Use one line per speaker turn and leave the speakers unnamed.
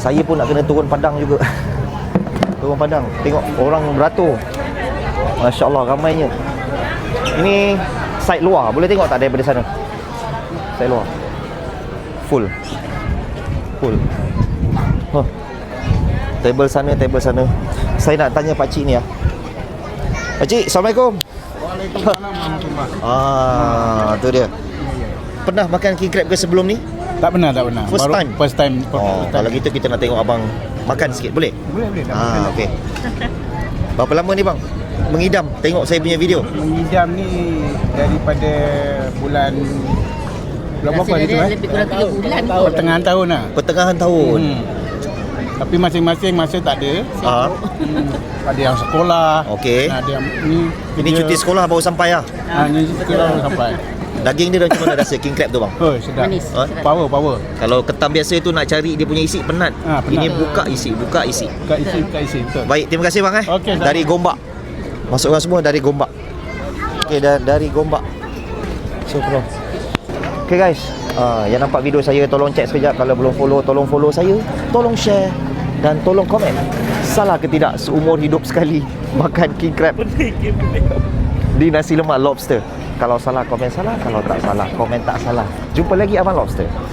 Saya pun nak kena turun padang juga. Turun padang, tengok orang beratur. Masya Allah, ramainya. Ini side luar, boleh tengok tak daripada sana? Side luar full. Huh. Table sana. Saya nak tanya pakcik ni lah. Pakcik, Assalamualaikum.
Waalaikumsalam.
Tu dia. Pernah makan king crab ke sebelum ni?
Tak pernah.
First time?
First time.
Kalau gitu kita nak tengok abang makan sikit, boleh?
Boleh.
Okey. Berapa lama ni bang mengidam tengok saya punya video?
Mengidam ni daripada bulan berapa ni tu?
Lebih kurang 3 bulan.
Pertengahan tahun lah.
Pertengahan tahun.
Tapi masing-masing masa tak ada. Ada yang sekolah.
Okey.
Ada yang ni
Ini cuti sekolah baru sampai lah.
Ni sekolah baru sampai.
Daging dia macam mana rasa king crab tu bang?
Oh, sedap.
Manis.
Ha?
Power.
Kalau ketam biasa tu nak cari dia punya isi penat.
Penat.
Ini buka isi.
Buka isi betul.
Baik, terima kasih bang
Okey, sama.
dari Gombak. Masukkan semua dari Gombak. Okey, dari Gombak. Syukur. Okey guys, yang nampak video saya tolong check sekejap. Kalau belum follow, tolong follow saya. Tolong share dan tolong komen. Salah ke tidak seumur hidup sekali makan king crab di nasi lemak lobster? Kalau salah, komen salah. Kalau tak salah, komen tak salah. Jumpa lagi Abang Lobster.